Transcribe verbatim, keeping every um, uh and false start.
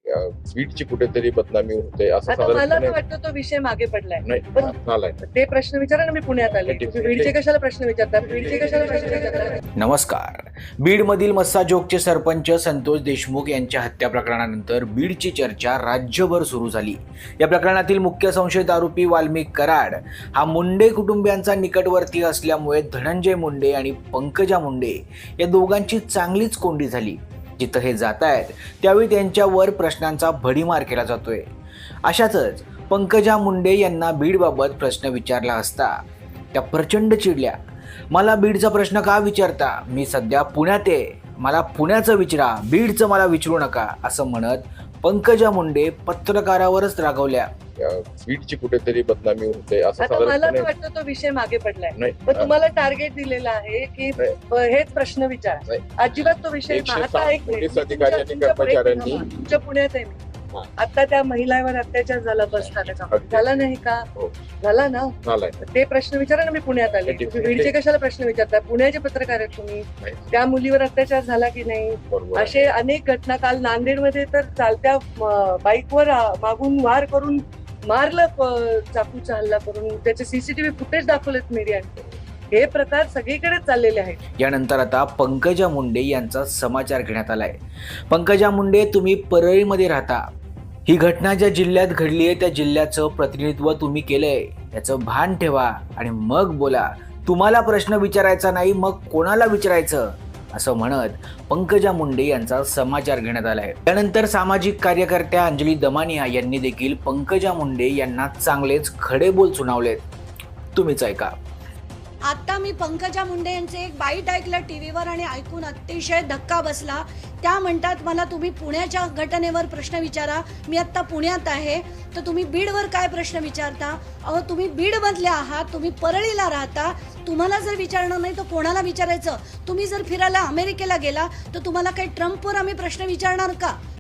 बीडची कुठेतरी बदनामी होते असं आता मला तर साधारणपणे वाटतं तो विषय मागे पडलाय. नाही पण झालाय. ते प्रश्न विचारा ना, मी पुण्यात आले. नाही, तुम्ही बीडचे कशाला प्रश्न विचारता? बीडचे कशाला प्रश्न विचारता? नमस्कार. बीडमधील मस्साजोगचे सरपंच संतोष देशमुख यांच्या हत्या प्रकरणानंतर बीडची चर्चा राज्यभर सुरू झाली. या प्रकरणातील मुख्य संशयित आरोपी वाल्मिक कराड हा मुंडे कुटुंबियांचा निकटवर्ती असल्यामुळे धनंजय मुंडे आणि पंकजा मुंडे या दोघांची चांगलीच कोंडी झाली. जिथं हे जात आहेत त्यावेळी त्यांच्यावर प्रश्नांचा भडीमार केला जातोय. अशातच पंकजा मुंडे यांना बीडबाबत प्रश्न विचारला असता त्या प्रचंड चिडल्या. मला बीडचा प्रश्न का विचारता? मी सध्या पुण्यात आहे, मला पुण्याचं विचारा, बीडचं मला विचारू नका, असं म्हणत पंकजा मुंडे पत्रकारावरच रागवल्या. बीडची कुठेतरी बदनामी होते असं आता मला तर साधारणपणे वाटतं तो विषय मागे पडलाय. नाही पण तुम्हाला टार्गेट दिलेलं आहे की नाही. ब- हेच प्रश्न विचार. नाही. अजिबात तो विषय एकशे आता सात एक मिनिट. पोलीस तुमच्या- अधिकारी आणि तुमच्या- कर्मचाऱ्यांनी- एक मिनिट. तुमच्या पुण्यात आहे मी. हा. आता त्या महिलावर अत्याचार झाला बस स्थानकावर. अगदी. झाला नाही का? हो. झाला ना. झालाय. ते प्रश्न विचारा ना, मी पुण्यात आले. नाही, तुम्ही बीडचे कशाला प्रश्न विचारता? पुण्याचे पत्रकार आहेत तुम्ही. नाही. त्या मुलीवर अत्याचार झाला की नाही? बरोबर असे अनेक घटना. काल नांदेडमध्ये तर चालत्या म, बाईकवर आ, मागून वार करून मारलं, प- चाकूचा हल्ला करून. त्याचे सीसीटीव्ही फुटेज दाखवलेत मीडियाने. हे प्रकार सगळीकडे चाललेले आहेत. यानंतर आता पंकजा मुंडे यांचा समाचार घेण्यात आलाय. पंकजा मुंडे, तुम्ही परळीमध्ये राहता. ही घटना ज्या जिल्ह्यात घडली आहे त्या जिल्ह्याचं प्रतिनिधित्व तुम्ही केलंय याचं भान ठेवा आणि मग बोला. तुम्हाला प्रश्न विचारायचा नाही, मग कोणाला विचारायचं, असं म्हणत पंकजा मुंडे यांचा समाचार घेण्यात आलाय. त्यानंतर सामाजिक कार्यकर्त्या अंजली दमानिया यांनी देखील पंकजा मुंडे यांना चांगलेच खडे बोल सुनावलेत. तुम्हीच ऐका. आता मी पंकजा मुंडे यांचे एक बाईट ऐकलं टीव्हीवर आणि ऐकून अतिशय धक्का बसला. त्या म्हणतात मला तुम्ही पुण्याच्या घटनेवर प्रश्न विचारा. मी आत्ता पुण्यात आहे, तर तुम्ही बीडवर काय प्रश्न विचारता? अहो, तुम्ही बीडमधले आहात, तुम्ही परळीला राहता. तुम्हाला जर विचारणार नाही तर कोणाला विचारायचं? तुम्ही जर फिरायला अमेरिकेला गेला तर तुम्हाला काही ट्रम्पवर आम्ही प्रश्न विचारणार का?